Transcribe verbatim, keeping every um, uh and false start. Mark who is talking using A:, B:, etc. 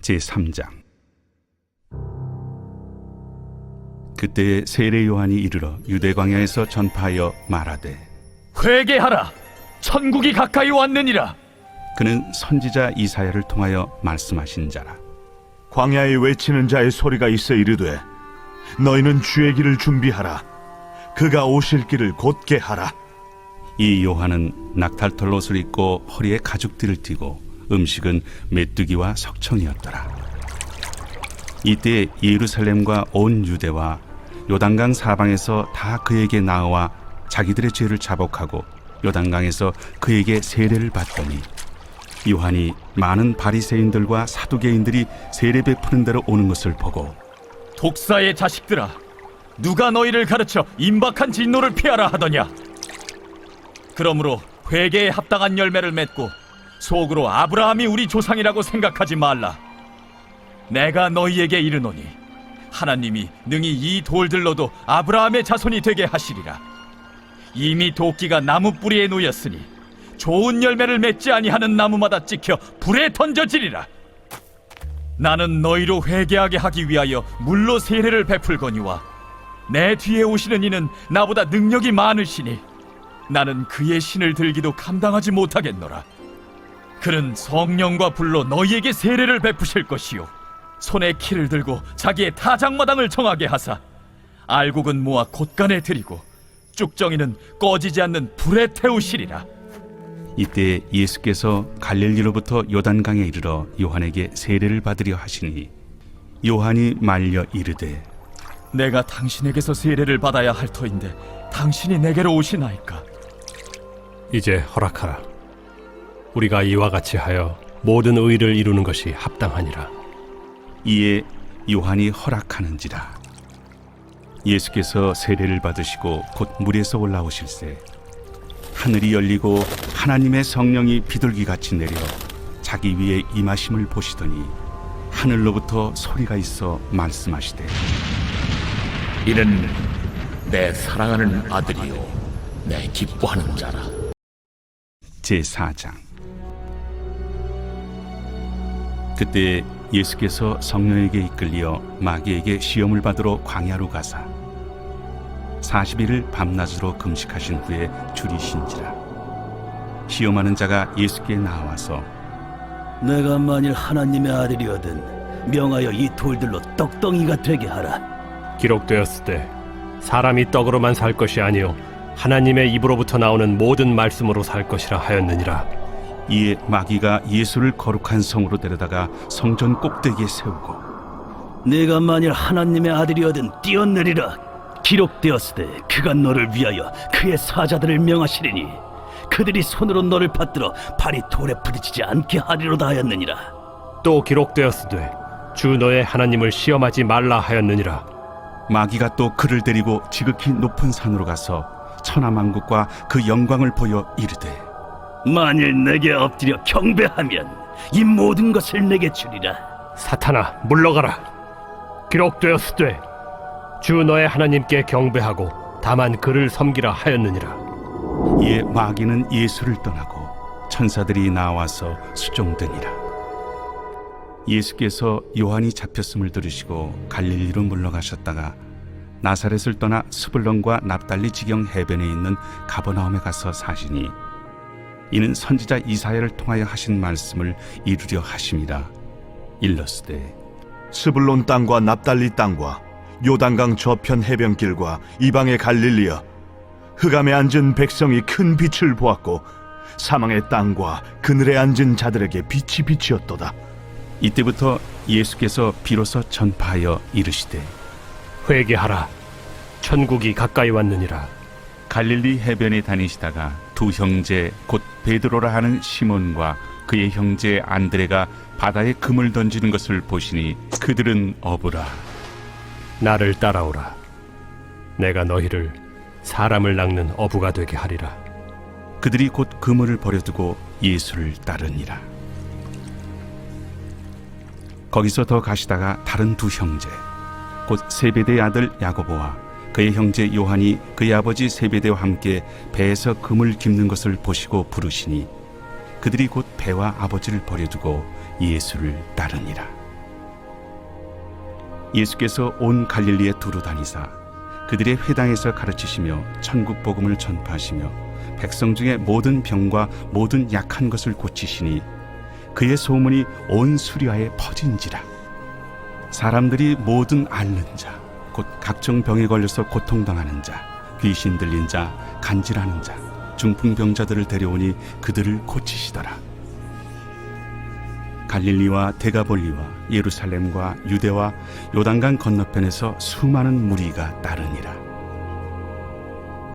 A: 제삼 장. 그때에 세례 요한이 이르러 유대 광야에서 전파하여 말하되,
B: 회개하라, 천국이 가까이 왔느니라.
A: 그는 선지자 이사야를 통하여 말씀하신 자라.
C: 광야에 외치는 자의 소리가 있어 이르되, 너희는 주의 길을 준비하라. 그가 오실 길을 곧게 하라.
A: 이 요한은 낙탈털 옷을 입고 허리에 가죽띠를 띠고 음식은 메뚜기와 석청이었더라. 이때 예루살렘과 온 유대와 요단강 사방에서 다 그에게 나와 자기들의 죄를 자복하고 요단강에서 그에게 세례를 받더니, 요한이 많은 바리새인들과 사두개인들이 세례 베푸는 데로 오는 것을 보고,
B: 독사의 자식들아, 누가 너희를 가르쳐 임박한 진노를 피하라 하더냐? 그러므로 회개에 합당한 열매를 맺고 속으로 아브라함이 우리 조상이라고 생각하지 말라. 내가 너희에게 이르노니 하나님이 능히 이 돌들로도 아브라함의 자손이 되게 하시리라. 이미 도끼가 나무 뿌리에 놓였으니 좋은 열매를 맺지 아니하는 나무마다 찍혀 불에 던져지리라. 나는 너희로 회개하게 하기 위하여 물로 세례를 베풀거니와 내 뒤에 오시는 이는 나보다 능력이 많으시니 나는 그의 신을 들기도 감당하지 못하겠노라. 그는 성령과 불로 너희에게 세례를 베푸실 것이요, 손에 키를 들고 자기의 타작마당을 정하게 하사 알곡은 모아 곳간에 들이고 쭉정이는 꺼지지 않는 불에 태우시리라.
A: 이때 예수께서 갈릴리로부터 요단강에 이르러 요한에게 세례를 받으려 하시니, 요한이 말려 이르되,
B: 내가 당신에게서 세례를 받아야 할 터인데 당신이 내게로 오시나이까?
D: 이제 허락하라. 우리가 이와 같이 하여 모든 의를 이루는 것이 합당하니라.
A: 이에 요한이 허락하는지라. 예수께서 세례를 받으시고 곧 물에서 올라오실새 하늘이 열리고 하나님의 성령이 비둘기같이 내려 자기 위에 임하심을 보시더니, 하늘로부터 소리가 있어 말씀하시되,
E: 이는 내 사랑하는 아들이요 내 기뻐하는 자라.
A: 제사 장. 그때 예수께서 성령에게 이끌려 마귀에게 시험을 받으러 광야로 가사 사십 일을 밤낮으로 금식하신 후에 줄이신지라. 시험하는 자가 예수께 나와서,
F: 내가 만일 하나님의 아들이거든 명하여 이 돌들로 떡덩이가 되게 하라.
D: 기록되었을 때 사람이 떡으로만 살 것이 아니요 하나님의 입으로부터 나오는 모든 말씀으로 살 것이라 하였느니라.
A: 이에 마귀가 예수를 거룩한 성으로 데려다가 성전 꼭대기에 세우고,
F: 내가 만일 하나님의 아들이거든 뛰어내리라. 기록되었으되 그가 너를 위하여 그의 사자들을 명하시리니 그들이 손으로 너를 받들어 발이 돌에 부딪히지 않게 하리로다 하였느니라.
D: 또 기록되었으되 주 너의 하나님을 시험하지 말라 하였느니라.
A: 마귀가 또 그를 데리고 지극히 높은 산으로 가서 천하만국과 그 영광을 보여 이르되,
F: 만일 내게 엎드려 경배하면 이 모든 것을 내게 주리라.
D: 사탄아, 물러가라. 기록되었으되 주 너의 하나님께 경배하고 다만 그를 섬기라 하였느니라.
A: 이에 마귀는 예수를 떠나고 천사들이 나와서 수종드니라. 예수께서 요한이 잡혔음을 들으시고 갈릴리로 물러가셨다가 나사렛을 떠나 스불론과 납달리 지경 해변에 있는 가버나움에 가서 사시니, 이는 선지자 이사야를 통하여 하신 말씀을 이루려 하심이라. 일러스되,
C: 스불론 땅과 납달리 땅과 요단강 저편 해변길과 이방의 갈릴리여, 흑암에 앉은 백성이 큰 빛을 보았고 사망의 땅과 그늘에 앉은 자들에게 빛이 비치었도다.
A: 이때부터 예수께서 비로소 전파하여 이르시되,
D: 회개하라. 천국이 가까이 왔느니라.
A: 갈릴리 해변에 다니시다가 두 형제 곧 베드로라 하는 시몬과 그의 형제 안드레가 바다에 금을 던지는 것을 보시니 그들은 어부라.
D: 나를 따라오라. 내가 너희를 사람을 낚는 어부가 되게 하리라.
A: 그들이 곧 그물을 버려두고 예수를 따르니라. 거기서 더 가시다가 다른 두 형제 곧 세베대의 아들 야고보와 그의 형제 요한이 그의 아버지 세베대와 함께 배에서 금을 깁는 것을 보시고 부르시니 그들이 곧 배와 아버지를 버려두고 예수를 따르니라. 예수께서 온 갈릴리에 두루 다니사 그들의 회당에서 가르치시며 천국 복음을 전파하시며 백성 중에 모든 병과 모든 약한 것을 고치시니 그의 소문이 온 수리아에 퍼진지라. 사람들이 모든 앓는 자, 곧 각종 병에 걸려서 고통당하는 자, 귀신 들린 자, 간질하는 자, 중풍병자들을 데려오니 그들을 고치시더라. 갈릴리와 데가볼리와 예루살렘과 유대와 요단강 건너편에서 수많은 무리가 따르니라.